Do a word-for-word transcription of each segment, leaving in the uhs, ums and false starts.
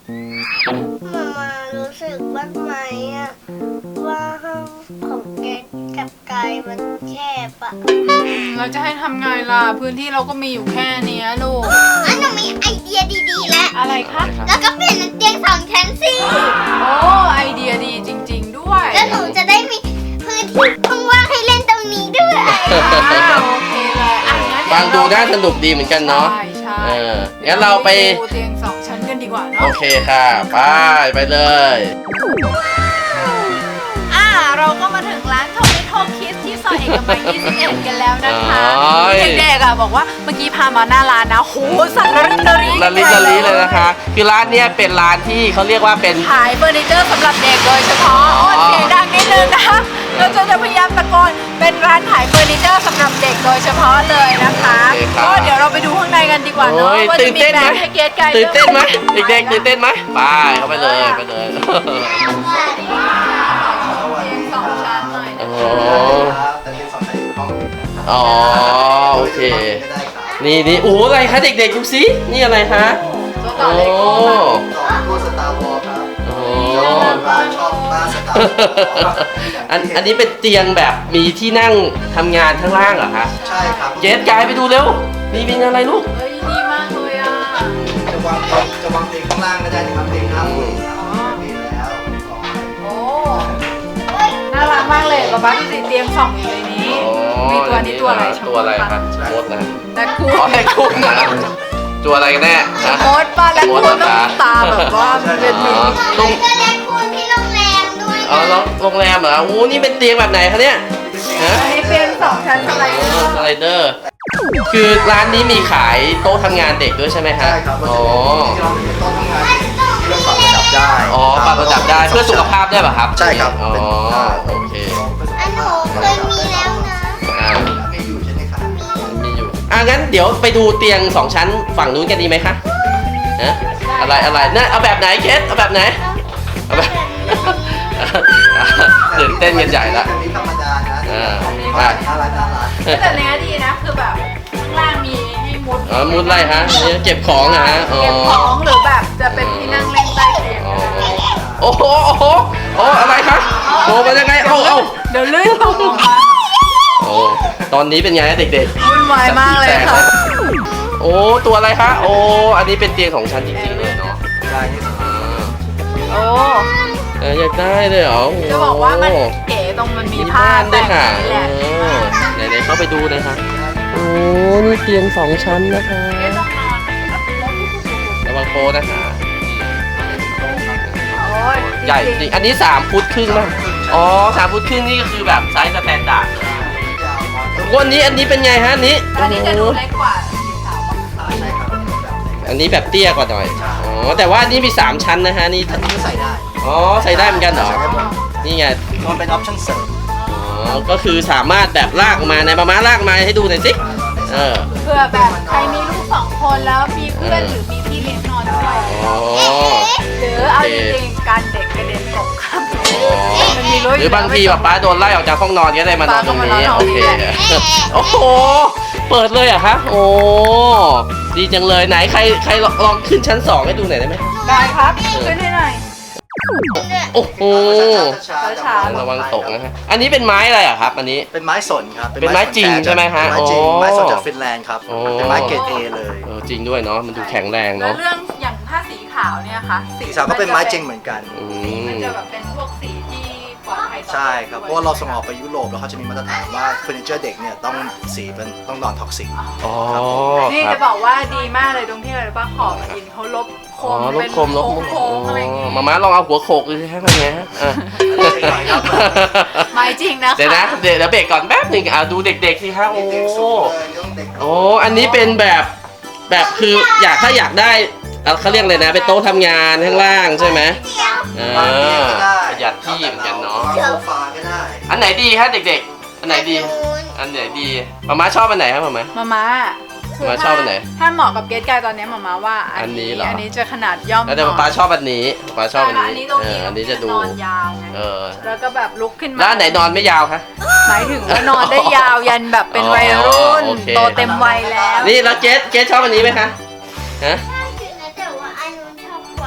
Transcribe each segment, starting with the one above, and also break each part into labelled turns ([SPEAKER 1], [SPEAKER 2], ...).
[SPEAKER 1] มามารู้สึกบ้างไหมอะว่าห้องของเกดกับกายมันแคบอะ
[SPEAKER 2] เราจะให้ทำไงล่ะพื้นที่เราก็มีอยู่แค่นี้ลูก
[SPEAKER 1] อันหนูมีไอเดียดีๆแล้ว
[SPEAKER 2] อะไรคะ
[SPEAKER 1] แล้วก็เปลี่ยนเป็นเตียงสองชั้นสิ
[SPEAKER 2] โอ้ไอเดียดีจริงๆด้วย
[SPEAKER 1] แล้วหนูจะได้มีพื้นที่ว่างๆให้เล่นตรงนี้ด้วย
[SPEAKER 2] อ่าโอเคเลยอ่ะงั้นเดี๋ยว
[SPEAKER 3] ฟังดูน่าสนุกดีเหมือนกันเนาะ
[SPEAKER 2] ใช่ใช่
[SPEAKER 3] เอองั้นเราไป
[SPEAKER 2] ดูเตียงสองชั้นกันดีกว่า
[SPEAKER 3] โอ
[SPEAKER 2] เนาะ
[SPEAKER 3] เคค่ะไปไปเลย
[SPEAKER 2] อ่าเราก็มาถึงร้านโทมิโทคิสที่ซอยเอกมัยยี่สิบเอ็ดกันแล้วนะคะ
[SPEAKER 3] โอ้ย
[SPEAKER 2] เด็กๆอ่ะบอกว่าเมื่อกี้พามาหน้าร้านนะโหสั่นระริกระริ
[SPEAKER 3] ละลิละลิเลยนะคะ คือร้านเนี้ยเป็นร้านที่เขาเรียกว่าเป็น
[SPEAKER 2] ขายเฟอร์นิเจอร์สำหรับเด็กโดยเฉพาะโอ้เสียงดังนิดนึงนะคะเราจะพยายามตะโกนเป็นร้านขายเฟอร์นิเจอร์สำหรับเด็กโดยเฉพาะเลยนะคะ
[SPEAKER 3] โอเคครับ
[SPEAKER 2] ก็เดี๋ยวเราไปดูข้างในกันดีกว่าเนาะ
[SPEAKER 3] โอ้ย
[SPEAKER 2] ว่า
[SPEAKER 3] ตื่
[SPEAKER 2] จะ
[SPEAKER 3] น
[SPEAKER 2] มี
[SPEAKER 3] เต้น
[SPEAKER 2] แบ
[SPEAKER 3] ไหม
[SPEAKER 2] บให้เกสไกด์
[SPEAKER 3] ตื่นเต้นไหมเด็กๆตื่นเต้นไหมไปเข้าไปเลยไปเลย
[SPEAKER 2] สองชั้นหน่อย
[SPEAKER 3] โอ้
[SPEAKER 2] นะ
[SPEAKER 3] โห
[SPEAKER 4] แต่เรียนสอนในห้อง
[SPEAKER 3] อ๋อโอเค นี่นี่โอ้อะไรคะเด็กๆดูสินี่อะไรคะ
[SPEAKER 2] ตัวต่อ
[SPEAKER 3] โอ้
[SPEAKER 2] เลโก้ค่ะ
[SPEAKER 4] ต่อพวกสตาร์วอลครับ
[SPEAKER 3] โอ้
[SPEAKER 4] ร้านชอบบ้านสตาร์วอล
[SPEAKER 3] อันอันนี้เป็นเตียงแบบมีที่นั่งทำงานข้างล่างเหรอคะ
[SPEAKER 4] ใช่ครับ
[SPEAKER 3] เจสกายไปดูเร็วมีเป็นอะไรลูก
[SPEAKER 2] เฮ้ยดีมากเลยอ่ะ
[SPEAKER 4] จะวางเตียงจะวางเตียงข้างล่างก็ได้นะครับเตียงห้าคนดีแล้ว
[SPEAKER 2] โอ้น่ารักมากเลยป๊าป๊าดูสิเตียงสองอยู่ในนี้ มีตัวนี้ตัวอะไร
[SPEAKER 3] ตัวอะไรคะโคตรนะ
[SPEAKER 2] แต่คู
[SPEAKER 3] อ๋อไอ้คุกนะตัวอะไรกันแน่ฮะ
[SPEAKER 2] โคตรป้าและคู
[SPEAKER 3] โคตร
[SPEAKER 2] ต้อง
[SPEAKER 3] เหรอ
[SPEAKER 2] ตาแบบว่ามันเป็นหมี
[SPEAKER 3] ตรง
[SPEAKER 1] ก็ได้คุณที่โรงแรมด้วย
[SPEAKER 3] อ๋อแล้วโรงแรมเหรอโอ้นี่เป็นเตียงแบบไหนคะเนี่ยฮะ
[SPEAKER 2] อันนี้เป็นสองชั้นสไลเดอร์
[SPEAKER 3] สไลเดอร์ คือร้านนี้มีขายโต๊ะทำงานเด็กด้วยใช่ไหมฮะ
[SPEAKER 4] ใช่ครับ
[SPEAKER 3] อ๋อ
[SPEAKER 4] ที่เราเป็นโต๊ะทำงานที่เราปรับระดับได้
[SPEAKER 3] อ๋อปรับระดับได้เพื่อสุขภาพได้ป่ะครับ
[SPEAKER 4] ใช่ครับ
[SPEAKER 3] อ๋อ
[SPEAKER 4] เป็น
[SPEAKER 3] โอเค
[SPEAKER 1] อันหนูเคยมีแล้วนะ
[SPEAKER 3] อ่า
[SPEAKER 4] ไม่อยู่ใช่ไหมครับ
[SPEAKER 3] มีอยู่อ่ะงั้นเดี๋ยวไปดูเตียงสองชั้นฝั่งนู้นกันดีไหมคะฮะอะไรอะไรน่ะเอาแบบไหนเคสเอาแบบไหนเอาแบบ ตื่นเต้นกันใหญ่ละ
[SPEAKER 4] อันนี้ธรรมดานะ
[SPEAKER 3] อ่า
[SPEAKER 4] น่ารักน่ารัก
[SPEAKER 2] แต่เนี้ยดีนะคือแบบข้างล่างมีให้มุด
[SPEAKER 3] อ๋อมุดไรฮะนี่เก็บของอะฮะอ๋อ
[SPEAKER 2] เก็บของหรือแบบจะเป็นที่นั่งเล่นใต้เตียง
[SPEAKER 3] อ๋อ
[SPEAKER 2] ก็ได้
[SPEAKER 3] โอ้โหโอ้โหโอ้อะไรคะโอ้มันยังไงเอ้าเอ้า
[SPEAKER 2] เดี๋ยวลื่นตกลงมา
[SPEAKER 3] โอ้ตอนนี้เป็นไงเด็กๆ
[SPEAKER 2] วุ่นวายมากเลยค่ะ
[SPEAKER 3] โอ้ตัวอะไรคะโอ้อันนี้เป็นเตียงของฉันจริงๆเลยเนาะ
[SPEAKER 4] ได้นี่ส
[SPEAKER 3] อ่า
[SPEAKER 2] โอ้
[SPEAKER 3] เอออยากได้เลยเหรอโ
[SPEAKER 2] จะบอกว่ามันเก๋ตรงมันมีผ้า
[SPEAKER 3] ด้
[SPEAKER 2] แต่
[SPEAKER 3] วย
[SPEAKER 2] ง
[SPEAKER 3] ค่ะ
[SPEAKER 2] นี่แหละ
[SPEAKER 3] เออไหนๆเข้าไปดูเลยค่ะโอ้นี่เตียงสองชั้นนะคะ
[SPEAKER 2] ไม่ต้องนอน
[SPEAKER 3] ระวังโปนะคะ
[SPEAKER 2] โอ้ย
[SPEAKER 3] ใหญ่จริงอันนี้สามฟุตครึ่งป่ะอ๋อสามฟุตครึ่งนี่ก็คือแบบไซส์สแตนดาร์ด
[SPEAKER 4] ยาวมา
[SPEAKER 3] วันนี้อันนี้เป็นไงฮะอันนี้
[SPEAKER 2] อันนี้จะดูเล็กกว่าสีขาว
[SPEAKER 4] ใช่ครับ
[SPEAKER 3] อันนี้แบบเตี้ยกว่าหน่อยอ๋อแต่ว่าอันนี้มีสามชั้นนะฮะนี่
[SPEAKER 4] อันนี้ก็ใส่ได้
[SPEAKER 3] อ๋อใส่ได้เหมือนกันเหรอ
[SPEAKER 4] ใส่ได้หมด
[SPEAKER 3] นี่ไง
[SPEAKER 4] มันเป็นออปชั่นเสริม
[SPEAKER 3] อ๋อก็คือสามารถแบบลากออกมาในประมาณลากมาให้ดูหน่อยสิเออ
[SPEAKER 2] เพื่อแบบใครมีลูกสองคนแล้วมีเพื่อนหรือมีพี่เลี้ยงนอนด้วย
[SPEAKER 3] อ๋อ
[SPEAKER 2] หรือเอาจริงๆการเด็กกระเด็นตกข้ามมันมีรู้
[SPEAKER 3] หรือบางทีแบบป้าโดนไล่ออกจากห้องนอนก็ได้มานอนตรงนี้โอเคโอ้โหเปิดเลยเหรอะคะโอ้ดีจังเลยไหนใครใครลองขึ้นชั้นสองให้ดูหน่อยได้ไหม
[SPEAKER 2] ได้ครับขึ้นให้หน่อย
[SPEAKER 3] โอ้โห
[SPEAKER 4] ช้าๆ
[SPEAKER 3] ระวังตกนะฮะอันนี้เป็นไม้อะไรอะครับ อันนี้
[SPEAKER 4] เป็นไม้สนครับ
[SPEAKER 3] เป็นไม้จริงใช่ไหมฮะ
[SPEAKER 4] เป็นไม้จริง
[SPEAKER 3] อ๋อ
[SPEAKER 4] ไม้สนจากฟินแลนด์ครับ
[SPEAKER 3] อ๋อ
[SPEAKER 4] เป็นไม้เกรดเอเลย
[SPEAKER 3] เออจริงด้วยเนาะมันดูแข็งแรง
[SPEAKER 2] แล้ว
[SPEAKER 3] เนาะ
[SPEAKER 2] เรื่องอย่างผ้าสีขาวเนี่ยค่ะ
[SPEAKER 4] สีสาวก็เป็นไม้จริงเหมือนกัน
[SPEAKER 3] อื
[SPEAKER 2] สีมัน
[SPEAKER 3] ม
[SPEAKER 2] จะแบบเป็นพวกสีที่ปลอดภัยต่อ
[SPEAKER 4] ใช่ครับ เพราะว่าเราส่งออกไปยุโรปแล้วเขาจะมีมาตรฐานว่าเฟอร์นิเจอร์เด็กเนี่ยต้องสีเป็นต้องนอนท็อกซิก
[SPEAKER 3] อ๋อ
[SPEAKER 2] นี่
[SPEAKER 3] ครั
[SPEAKER 2] จะ
[SPEAKER 3] บ
[SPEAKER 2] บอกว่าดีมากเลยตรงที่อะไรป้าขอบอินเขาลบโค
[SPEAKER 3] อ๋อ
[SPEAKER 2] ม
[SPEAKER 3] ลบ
[SPEAKER 2] เป็น
[SPEAKER 3] คมลบคม
[SPEAKER 2] โค้งๆอะไรอย่างเงี้ย
[SPEAKER 3] มาม่าลองเอาหัวโขกดูสิฮะเป็นไงฮะอ่ะ
[SPEAKER 2] ไม้จริงนะคะ
[SPEAKER 3] เดี๋ยวนะเดี๋ยวเดี๋ยวเบรกก่อนแป๊บหนึงอ่ะดูเด็กๆสิฮะโอ้
[SPEAKER 4] เด็กสูงเลยต้องเด็ก
[SPEAKER 3] โอ้อันนี้เป็นแบบแบบคืออยากถ้าอยากได้อ่ะเขาเรียกเลยนะเป็นโต๊ะทำงานข้างล่างใช่ไหมอ่า
[SPEAKER 4] วางเตียงก็ได้
[SPEAKER 3] ประหยัดที่เหมือนกันเนาะ
[SPEAKER 4] วางโซฟาก็ได้
[SPEAKER 3] อันไหนดีฮะเด็กๆ อันไหนดี อันไหนดีมาม่าชอบอันไหนครับมาม่า
[SPEAKER 2] มาม่าคือ
[SPEAKER 3] มาชอบอันไหน
[SPEAKER 2] ถ้าเหมาะกับเกสกายตอนนี้มาม่าว่าอั
[SPEAKER 3] อันนี้เหรออั
[SPEAKER 2] อันนี้จะขนาดย่อม
[SPEAKER 3] แล้วแต่ป๊าชอบอันนี้ป๊าชอบอัน
[SPEAKER 2] ใช่ค่ะ
[SPEAKER 3] นี้
[SPEAKER 2] ตรง
[SPEAKER 3] เอ
[SPEAKER 2] นี้
[SPEAKER 3] ออันนี้จะดู
[SPEAKER 2] นอนยาวไง
[SPEAKER 3] เออ
[SPEAKER 2] แล้วก็แบบลุกขึ้นมา
[SPEAKER 3] แล้วอันไหนนอนไม่ยาวคะ
[SPEAKER 2] หมายถึงว่านอนได้ยาวยันแบบเป็นวัยรุ่น
[SPEAKER 3] อ๋อโอเค
[SPEAKER 2] โตเต็มวัยแล้ว
[SPEAKER 3] นี่แล้วเจสเจสชอบอันนี้ไหมคะฮะ
[SPEAKER 1] แต่ว่าอันนู้นชอบกว่า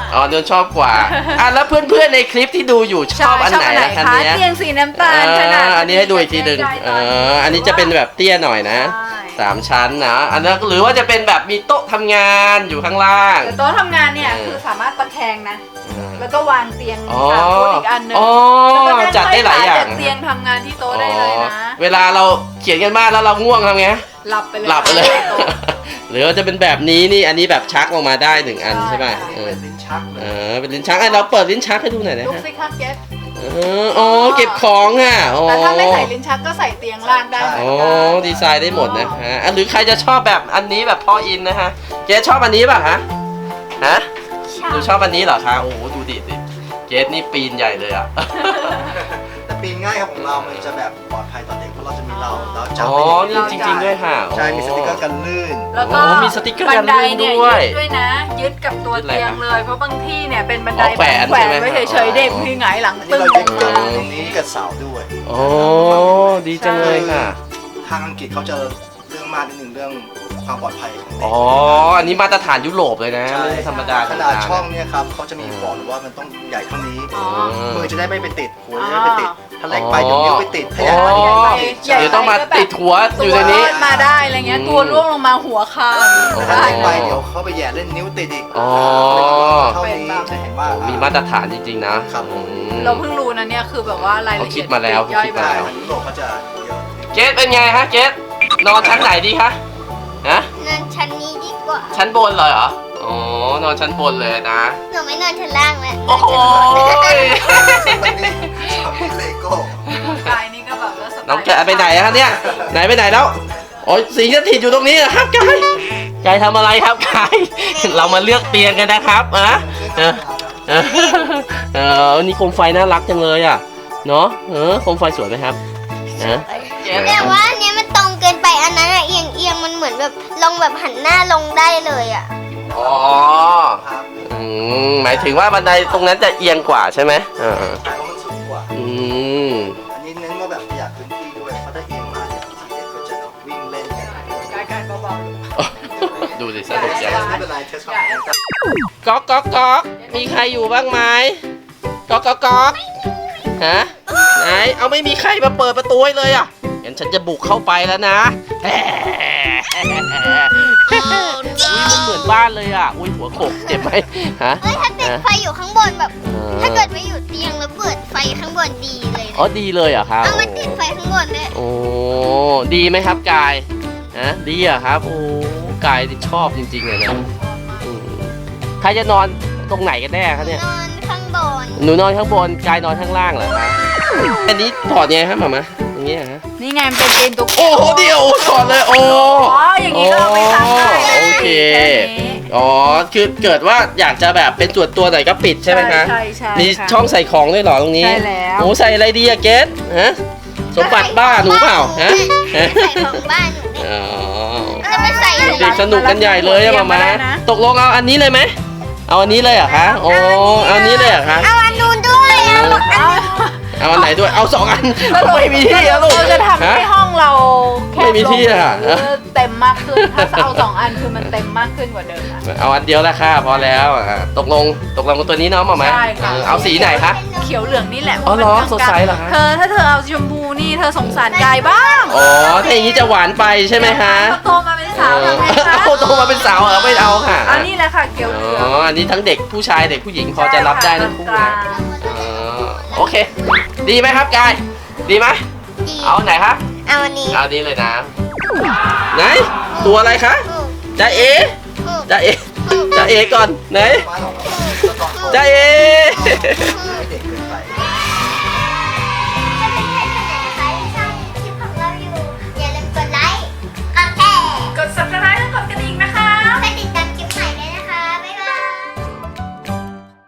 [SPEAKER 3] อ๋อโดนชอบกว่าอ่ะแล้วเพื่อนๆในคลิปที่ดูอยู่ชอบอันไหนล่ะคะ
[SPEAKER 2] คะ
[SPEAKER 3] เนี้ย
[SPEAKER 2] เตียงสีน้ำตาล
[SPEAKER 3] เอ
[SPEAKER 2] ขนาด
[SPEAKER 3] ออันนี้ให้ดูอีกทีหนึ่งเอออันนี้จะเป็นแบบเตี้ยหน่อยนะ
[SPEAKER 2] ใช่
[SPEAKER 3] สามชั้นนะอันนั้นหรือว่าจะเป็นแบบมีโต๊ะทำงานอยู่ข้างล่าง
[SPEAKER 2] แต่โต๊ะทำงานเนี่ย
[SPEAKER 3] เออ
[SPEAKER 2] คือสามารถตะแคงนะ
[SPEAKER 3] เออ
[SPEAKER 2] แล้วก็วางเตียง
[SPEAKER 3] อ๋อ
[SPEAKER 2] สามฟุตอีกอันหนึง
[SPEAKER 3] อ๋อ
[SPEAKER 2] แล้วก็นั่ง
[SPEAKER 3] จัดได้หลายอย่าง
[SPEAKER 2] จัดเตียงทำงานที่โต๊ะได้เลยนะ
[SPEAKER 3] อ๋อเวลาเราเขียนกันบ้านแล้วเราง่วงทำไง
[SPEAKER 2] หลับไปเลย
[SPEAKER 3] หลับไปเลย
[SPEAKER 2] โต๊ะ
[SPEAKER 3] หรือว่าจะเป็นแบบนี้นี่อันนี้แบบชักลงมาได้หนึ่งอัน
[SPEAKER 2] ใช่
[SPEAKER 3] ใช่ไหม
[SPEAKER 2] ค่ะ
[SPEAKER 3] เออ
[SPEAKER 4] เป็นลิ้นชักเล
[SPEAKER 3] เอย อเป็นลิ้นชักไอ้เราเปิดลิ้นชักให้ดูหน่อยนะ
[SPEAKER 2] ลุก
[SPEAKER 3] ฮะ
[SPEAKER 2] สิคะเก็ต
[SPEAKER 3] เอออ๋อเก็บของอ่ะอ๋อ
[SPEAKER 2] แต่ถ้าไม่ใส่ลิ้นชักก็ใส่เตียงล่างได้เหมือน
[SPEAKER 3] อ๋อ
[SPEAKER 2] กัน
[SPEAKER 3] ดีไซน์ได้หมดนะฮะอ่ะหรือใครจะชอบแบบอันนี้แบบพ่ออินนะฮะเกสชอบอันนี้ป่ะฮะฮะหนูชอบอันนี้เหรอคะโอ้โหดูดิดิเกสนี่ปีนใหญ่เลยอ่ะ
[SPEAKER 4] แต่ปีนง่ายครับของเรา มันจะแบบปลอดภัยต่อเด็กเพราะเราจะมีเราเราจับ
[SPEAKER 3] อ๋อ
[SPEAKER 4] ได้อย่าง
[SPEAKER 3] นี่จริงๆด้วยค่ะ
[SPEAKER 4] ใช่มีสติกเกอร์กันลื่น
[SPEAKER 2] แล้วก็
[SPEAKER 3] โอ้มีสติ๊กเกอร์
[SPEAKER 2] บันได
[SPEAKER 3] กันลื่น
[SPEAKER 2] เนี่ย
[SPEAKER 3] ด้วย
[SPEAKER 2] ยึดด้วยนะ ยึดกับตัว
[SPEAKER 3] ยึดอะไร
[SPEAKER 2] เตียง
[SPEAKER 3] ครับ
[SPEAKER 2] เลย เพราะบางที่เนี่ยเป็นบันได
[SPEAKER 3] อ๋อแขวน
[SPEAKER 2] แขวน
[SPEAKER 3] ใช่ไหม
[SPEAKER 2] ไว้เฉยๆเด็กที่หงายหลัง
[SPEAKER 4] อัน
[SPEAKER 2] ตึ้
[SPEAKER 4] นี้
[SPEAKER 2] ง
[SPEAKER 4] เรายึด
[SPEAKER 2] ล
[SPEAKER 4] กับ
[SPEAKER 2] งมา
[SPEAKER 4] ตรงนี้กับเสาด้วย
[SPEAKER 3] โอ้ดีจังเลยค่ะ
[SPEAKER 4] ทางอังกฤษเขาจะเรื่องมากนิดนึงเรื่องความปลอดภัยของเด็ก
[SPEAKER 3] อ๋ออันนี้มาตรฐานยุโรปเลยนะ
[SPEAKER 4] ใช่
[SPEAKER 3] ไม่ใช่ธรรมดา
[SPEAKER 4] ขนาดช่องเนี่ยครับเขาจะมีบอกเลยว่ามันต้องใหญ่เท่านี้
[SPEAKER 2] อ๋อ
[SPEAKER 4] มือจะได้ไม่ไปติดหัวจะได้ไม่ไปติดถ้าเล็กไปเดี๋ยวนิ้วไปติดถ้าใหญ่
[SPEAKER 3] อ๋
[SPEAKER 4] ไป
[SPEAKER 3] อ
[SPEAKER 4] เดี๋ยวนิ้วไปติด
[SPEAKER 2] ใหญ่
[SPEAKER 3] เดี๋ยวต้องมาติดหัวอ
[SPEAKER 2] ตั
[SPEAKER 3] ยู่
[SPEAKER 2] ว
[SPEAKER 3] ในนี้
[SPEAKER 2] รอดมาได้อะไรเงี้ย
[SPEAKER 3] อืม
[SPEAKER 2] ตัวร่วงลงมาหัวคา
[SPEAKER 4] ถ้า
[SPEAKER 2] ได้
[SPEAKER 4] เล็กไปเดี๋ยวเขาไปแย่เล่นนิ้วติดอีก
[SPEAKER 3] อ๋อ
[SPEAKER 4] เท่านี้จะเห็นว่า
[SPEAKER 3] โอ้มีมาตรฐานจริงๆนะครับ
[SPEAKER 4] ผม
[SPEAKER 3] อืม
[SPEAKER 2] เราเพิ่งรู้นะเนี่ยคือแบบว่ารายละเอียด
[SPEAKER 3] เขาคิดมาแล้ว
[SPEAKER 2] ย่อย
[SPEAKER 3] เขาคิด
[SPEAKER 2] ไป
[SPEAKER 3] มา
[SPEAKER 4] ใช่
[SPEAKER 3] แล้ว
[SPEAKER 4] ทางยุโรปเขาจะเยอะ
[SPEAKER 3] เกสเป็นไงฮะเกสนอนชั้นไหนดีคะฮะ
[SPEAKER 1] นอนชั้นนี้ดีกว่า
[SPEAKER 3] ชั้นบนเลยเหรออ๋อนอนชั้นบนเลยนะ
[SPEAKER 1] หนูไม่นอนชั้นล่างแล้ว
[SPEAKER 3] โอ้โห
[SPEAKER 4] วันนี้ชอบเลโก้
[SPEAKER 2] กายนี่ก็แบบว่าสไตล์
[SPEAKER 3] น้องแกะไปไหนอะคะเนี่ยไหนไปไหนแล้วโอ้ยสิงสถิตอยู่ตรงนี้เหรอครับกายกายทำอะไรครับกาย เรามาเลือกเตียงกันนะครับอะเออเออเออนี่โคมไฟน่ารักจังเลยอ่ะเนาะเออโคมไฟสวยไหมครับฮะ
[SPEAKER 1] แต่ว่าอันเนี้ยมันตรงเกินไปอันนั้นอะเอียงเอียงๆมันเหมือนแบบลงแบบหันหน้าลงได้เลยอะ
[SPEAKER 3] อ๋อ
[SPEAKER 4] ครับ
[SPEAKER 3] อืมหมายถึงว่าบันไดตรงนั้นจะเอียงกว่าใช่ไหมเออ
[SPEAKER 4] แต่ว่ามันสูงกว่า
[SPEAKER 3] อืม
[SPEAKER 4] อันนี้เน้นว่าแบบประหยัดพื้นที่ด้วยเพราะถ้าเอียงมาเนี่ยบางทีเด็กก็จะวิ่งเล่นกัน
[SPEAKER 2] กายกายเบา
[SPEAKER 3] ดูสิสนุกจัง
[SPEAKER 4] ไม่เป็นไรเทสความแข็งแรง
[SPEAKER 3] ก๊อกก๊อกก๊อกมีใครอยู่บ้างไหมก๊อกก๊อกก๊อกฮะไหนเอาไม่มีใครมาเปิดประตูให้เลยอ่ะงั้นฉันจะบุกเข้าไปแล้วนะแหมอุ้ยมันเหมือนบ้านเลยอ่ะอุ้ยหัวโขกเจ็บไหมฮะ
[SPEAKER 1] เอ้ยถ้าติด
[SPEAKER 3] ฮะ
[SPEAKER 1] ไฟอยู่ข้างบนแบบ
[SPEAKER 3] เออ
[SPEAKER 1] ถ้าเกิดไม่อยู่เตียงแล้วเปิดไฟข้างบนดีเลย
[SPEAKER 3] อ๋อ
[SPEAKER 1] นะ
[SPEAKER 3] ดีเลยเหรอ่ะครับ
[SPEAKER 1] เอามันติดไฟข้างบนด้วย
[SPEAKER 3] โอ้ดีไหมครับกายฮะดีอ่ะครับโอ้กายชอบจริงๆเลยนะอืมใครจะนอนตรงไหนกันแน่ครับเนี่ย
[SPEAKER 1] นอนข้างบน
[SPEAKER 3] หนูนอนข้างบนกายนอนข้างล่างเหรอคะอันนี้ถอดไงครับหมามะอย่างเงี้ยฮะ
[SPEAKER 2] ๆนี่ไงมันเป็นเตียงตัว
[SPEAKER 3] โอ้โหเดียวถอดเลยโอ้
[SPEAKER 2] อ๋ออย่างนี้ก็เอาไปซักได้
[SPEAKER 3] โอเค
[SPEAKER 2] แค่นี้
[SPEAKER 3] อ๋อคือเกิดว่าอยากจะแบบเป็นส่วนตัวหน่อยก็ปิดใช่ไหมคะ
[SPEAKER 2] ใช่ใช่
[SPEAKER 3] มี
[SPEAKER 2] ค่ะ
[SPEAKER 3] ช่องใส่ของด้วยเหรอตรงนี้
[SPEAKER 2] ใช่แล้ว
[SPEAKER 3] โอ้ใส่อะไรดีอะเกสฮะสมบัติบ้าหนูเปล่าฮะ
[SPEAKER 1] ใส่ของบ้านหนูเนี่ย
[SPEAKER 3] อ๋อ
[SPEAKER 1] จะไม่ใส่
[SPEAKER 3] เด็กสนุกกันใหญ่เลยอะหมามะตกลงเอาอันนี้เลยไหมเอาอันนี้เลยเหรอคะโอ้เอาอันนี้เลยเหรอคะ
[SPEAKER 1] เอาอันนู้นด้วยเอา
[SPEAKER 2] เอา
[SPEAKER 3] เอาอันไหนด้วย เอาสองอัน ไม่มีที่อะลูก
[SPEAKER 2] เราจะทำให้
[SPEAKER 3] ฮะ
[SPEAKER 2] ห้องเราแคบ
[SPEAKER 3] ไม่มีที่อะ
[SPEAKER 2] ลงหรือเต็มมากขึ้น ถ้าเอาสองอันคือมันเต็มมากขึ้นกว่าเดิมอะ
[SPEAKER 3] เอาอันเดียวละค่ะพอแล้วอ่ะตกลงตกลงกับตัวนี้เนาะหมาไหม
[SPEAKER 2] ใช่ค่ะ
[SPEAKER 3] เออเอาสีไหนคะ
[SPEAKER 2] เขียวเหลืองนี่แหละ
[SPEAKER 3] อ๋อเหรอ
[SPEAKER 2] มันกลางๆ
[SPEAKER 3] สดใสเหรอคะ
[SPEAKER 2] เธอถ้าเธอเอาชมพูนี่เธอสงสารกายบ้าง
[SPEAKER 3] อ๋อถ้าอย่างนี้จะหวานไปใช่ไหมคะ
[SPEAKER 2] เขาโตมาเป็นสาวทำไงคะ
[SPEAKER 3] เอาโตมาเป็นสาวเหรอไม่เอาค่ะ
[SPEAKER 2] อันนี้แหละค่ะเขียวเหลือง
[SPEAKER 3] อ๋ออันนี้ทั้งเด็กผู้ชายเด็กผู้หญิงพอจะรับได้ทั้งคู่
[SPEAKER 2] ก
[SPEAKER 3] นะ
[SPEAKER 2] ลาง
[SPEAKER 3] อ๋อโอเค ดีไหมครับกายดีไหม
[SPEAKER 1] ดี
[SPEAKER 3] เอาอันไหนคะ
[SPEAKER 1] เอาอันนี้
[SPEAKER 3] เอาอันนี้เลยนะไหนตัวอะไรคะ
[SPEAKER 1] อืม
[SPEAKER 3] จะเอ
[SPEAKER 1] อืม
[SPEAKER 3] จะเอ
[SPEAKER 1] อืม
[SPEAKER 3] จะเอก่อนไหน
[SPEAKER 4] บ้านของเราก็ต้อง
[SPEAKER 3] จะเอ
[SPEAKER 4] ให้เด็ก